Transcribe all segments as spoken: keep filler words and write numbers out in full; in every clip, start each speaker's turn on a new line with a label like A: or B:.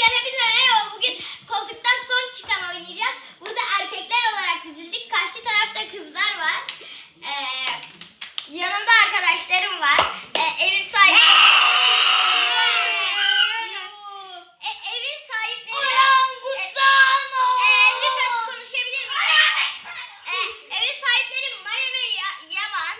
A: Arkadaşlar hepinize merhaba. Bugün koltuktan son çıkan oynayacağız. Burada erkekler olarak dizildik. Karşı tarafta kızlar var. Ee, yanımda arkadaşlarım var. Ee, evin sahibi. e, evin sahipleri. Orangutan. E, lütfen konuşabilir miyim? E, evin sahipleri Maya ve Ya- Yaman.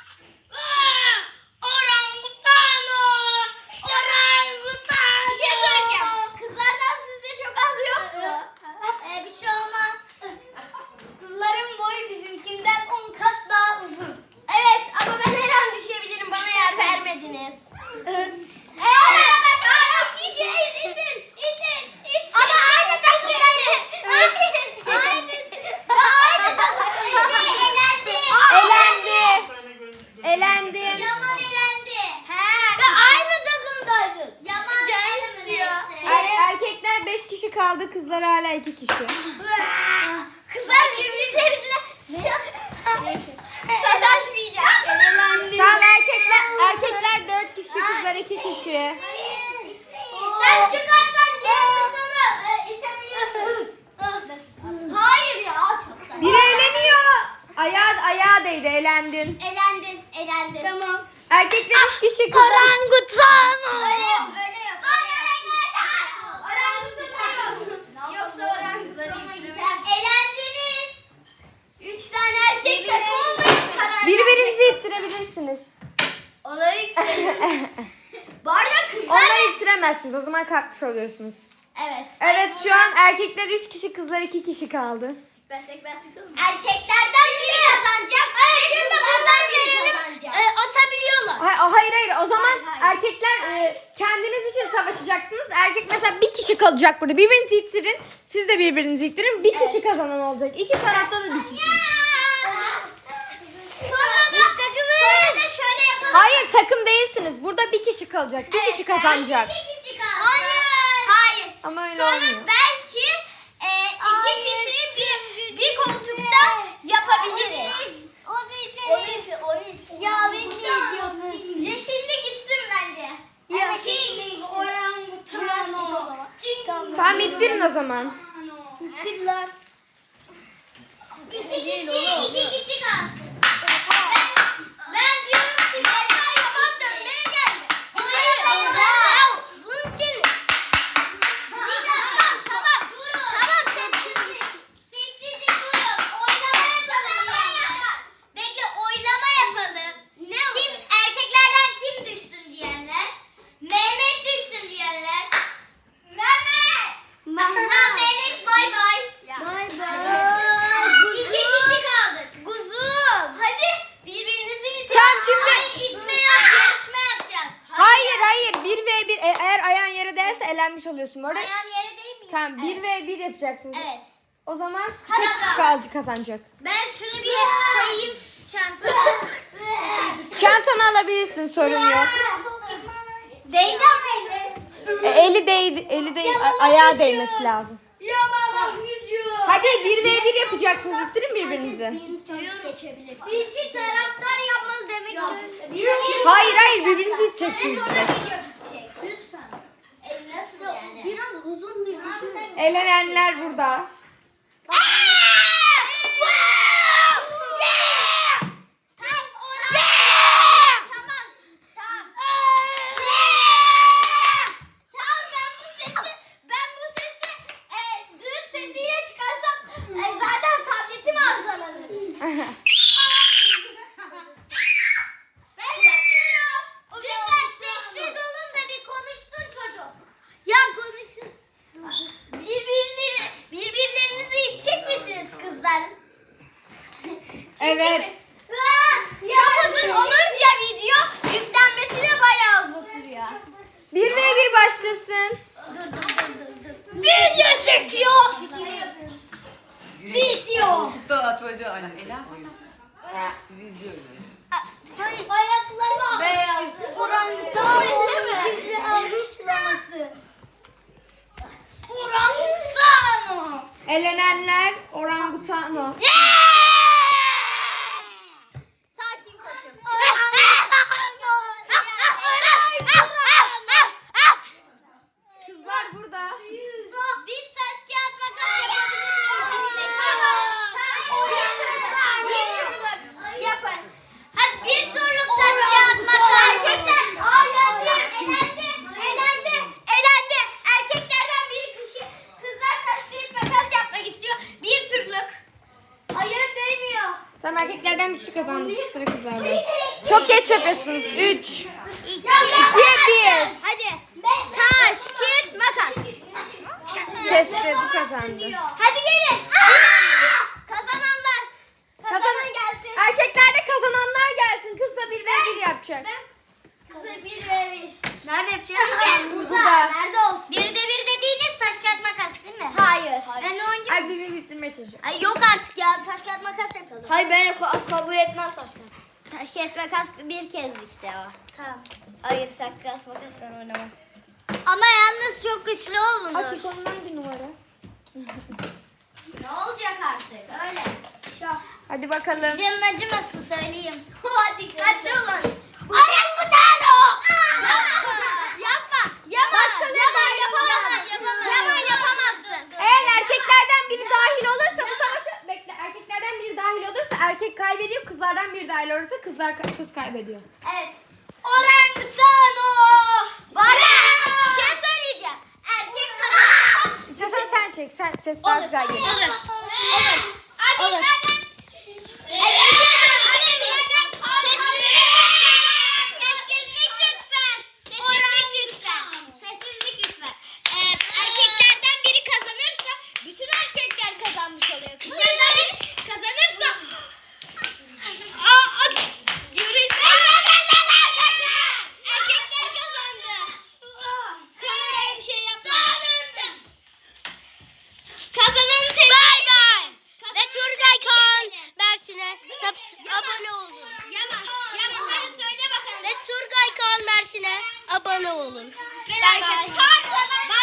A: Orangutano! Orangutan! Bir şey söyleyeceğim. Kızlardan sizde çok az yok mu? Ee, bir şey olmaz. Kızların boyu bizimkinden on kat daha uzun. Evet ama ben her an düşebilirim. Bana yer vermediniz. Evet. İtin, itin, itin, itin. Ama aynı takımdayız. Aynı. Aynı takımdayız. Elendi.
B: Elendi. Elendin.
A: Yaman elendi. He. Ve aynı takımdaydık. Yaman can istiyor.
B: Er- erkekler beş kişi kaldı, kızlar hala iki kişi.
A: Kızlar birbirleriyle sataşmayacak.
B: Tamam, erkekler erkekler dört kişi, kızlar iki kişi.
A: Sen çıkarsan diğer insanı e, itebiliyorsun. Hayır ya çok saçma.
B: Biri eleniyor. Ayağı ayağı değdi, elendin.
A: Elendin, elendin. Tamam.
B: Erkekler üç kişi, kızlar.
A: Orangutan. Öyle yap, öyle yap. Orangutan. Yoksa orangutan gider. Elendiniz. Üç tane erkek takım olmayı karar
B: Birbirinizi ittirebilirsiniz.
A: Onları ittiririz. Bu arada kızlar...
B: Onları ittiremezsiniz, o zaman kalkmış oluyorsunuz.
A: Evet.
B: Evet, şu an erkekler üç kişi, kızlar iki kişi kaldı.
A: Ben sıkıldım. Erkeklerden biri kazanacak. Evet, şimdi kızlardan biri kazanacak. E, atabiliyorlar.
B: Ha- Hayır hayır, o zaman
A: Hayır, hayır.
B: erkekler e, kendiniz için savaşacaksınız. Erkek mesela bir kişi kalacak burada. Birbirinizi ittirin. Siz de birbirinizi ittirin. Bir kişi kazanan olacak. İki tarafta da bir kişi.
A: Sonra da, sonra da şöyle yapalım.
B: Hayır, takım değilsiniz. Burada bir kişi kalacak. Bir kişi kazanacak.
A: İki kişi kaldı. Hayır. Hayır.
B: Ama öyle
A: Sonra
B: olmuyor.
A: belki e, iki kişiyi bir, bir koltukta yapabiliriz. Onu için. Onu için. Onu için. Ya ben ne diyorsun? Yeşilli gitsin bence. Evet, yeşilli orangutan o.
B: Tamam, ittirin o zaman.
A: İttir lan. İki kişi, iki kişi kalsın. Ben, ben diyorum ki Berkay Yaman dönmeye geldi. Hayır, hayır. Bunun için... Bir dakika, tamam, durun. Tamam, sessizlik. Sessizlik, durun. Oylama yapalım diyenler. Bekle, oylama yapalım. Ne kim, erkeklerden kim düşsün diyenler. Mehmet düşsün diyenler. Mehmet. Tamam, Mehmet bay bay. Bay bay. İki kişi kaldık. Kuzum. Hadi birbirinizi itelim.
B: Tamam, şimdi-
A: Hayır, itme yok. Yarışma yapacağız.
B: Hayır hayır, bir ve bir. E- Eğer ayağın yere değerse elenmiş oluyorsun. Bu arada.
A: Ayağım yere değil mi?
B: Tamam, bir ve bir yapacaksınız.
A: Evet.
B: O zaman
A: Hadi
B: tek kişi
A: bakalım.
B: kaldı kazanacak.
A: Ben şunu bir koyayım şu çantaya.
B: Çantanı alabilirsin, sorun yok.
A: Değdi ama eli.
B: E, eli değdi, eli değil, a- ayağa değmesi lazım.
A: Yaman gidiyor.
B: Hadi bir ve bir yapacaksınız. İttirin birbirinizi.
A: Birisi taraftar yapmalı demek ki.
B: Hayır hayır, birbirinizi iteceksiniz.
A: Sonra video bitecek. Lütfen. E, nasıl yani? Biraz uzun bir video.
B: Elenenler burada.
A: Lütfen sessiz olun da bir konuşsun çocuk. Ya konuşsun. Birbirleri, birbirlerinizi itecek misiniz kızlar?
B: Evet.
A: Çok uzun olunca video yüklenmesi de bayağı uzun sürüyor.
B: Bir ve bir başlasın.
A: Dur dur dur dur. dur. Video çekiyoruz. Video.
C: Koltukta atmaca annesi. Bizi izliyoruz.
A: Ayakları beyaz. Orangutan gizli alkışlaması. Orangutan.
B: Elenenler orangutano.
A: Sakin koçum.
B: Kızlar burada.
A: Biz taş kağıt makas yapabilir miyiz? Tamam. Bir turluk yapın. Hadi bir turluk taş kağıt makas. Erkekler. Hayır. Elendi. Elendi. Elendi. Erkeklerden biri kişi. Kızlar taş kağıt makas yapmak istiyor. Bir turluk. Ayağım değmiyor.
B: Tamam erkeklerden bir kişi kazandı. Sıra kızlarda. Çok geç yapıyorsunuz. üç.
A: İki,
B: bir.
A: Hadi. Taş, kağıt, makas.
B: Kesti, bu kazandı.
A: Hadi gelin. Kazananlar. Kazanan
B: Kazanan
A: gelsin.
B: Erkeklerde kazananlar gelsin. Kızla bir ve bir yapacak.
A: Kızı bir ve bir. Nerede yapacağız? Burada.
B: Burada.
A: Nerede olsun? Bir de bir dediğiniz taş kağıt makas değil mi? Hayır. Ben oyuncuyum.
B: Ay birbirinizi ittirmeye çalışıyor.
A: Ay yok artık ya. Taş kağıt makas yapalım. Hayır ben kabul etmem taş kağıt. Taş kağıt makas bir kez işte o. Tamam. Hayır taş makas ben oynamam. Ama yalnız çok güçlü olun.
B: Aç onun hangi numara?
A: Ne olacak artık öyle.
B: Hadi bakalım.
A: Canın acımasın söyleyeyim. Hadi dikkatli olun. Orangutan o. Yapma. Yaman.
B: Başkaları
A: Yaman
B: dahil
A: yapamazsın.
B: olamaz.
A: Yapamazsın. Yaman yapamazsın.
B: Eğer erkeklerden biri dahil olursa bu savaşı bekle. Erkeklerden biri dahil olursa erkek kaybediyor. Kızlardan biri dahil olursa kızlar kız kaybediyor.
A: Evet. Orangutan o. Var ya. Bir şey söyleyeceğim. Erkek kazanırsa.
B: İstersen sen çek. Sen ses daha güzel geliyor.
A: Olur. Olur. Olur. Evet, bir şey söyleyeyim. Sessizlik lütfen. Sessizlik lütfen. Sessizlik lütfen. Ee, erkeklerden biri kazanırsa bütün erkekler kazanmış oluyor. Kızlardan biri kazanırsa Aa, görüntü. Erkekler kazandı. Kameraya bir şey yapma. Kazananı tebrik
D: Bay bay.
A: ederim.
D: Ve Turgay Kaan Mersin'e abone olun.
A: Yaman, Yaman hadi söyle bakalım.
D: Ve Turgay Kaan Mersin'e abone olun.
A: Merak etme. Kazanan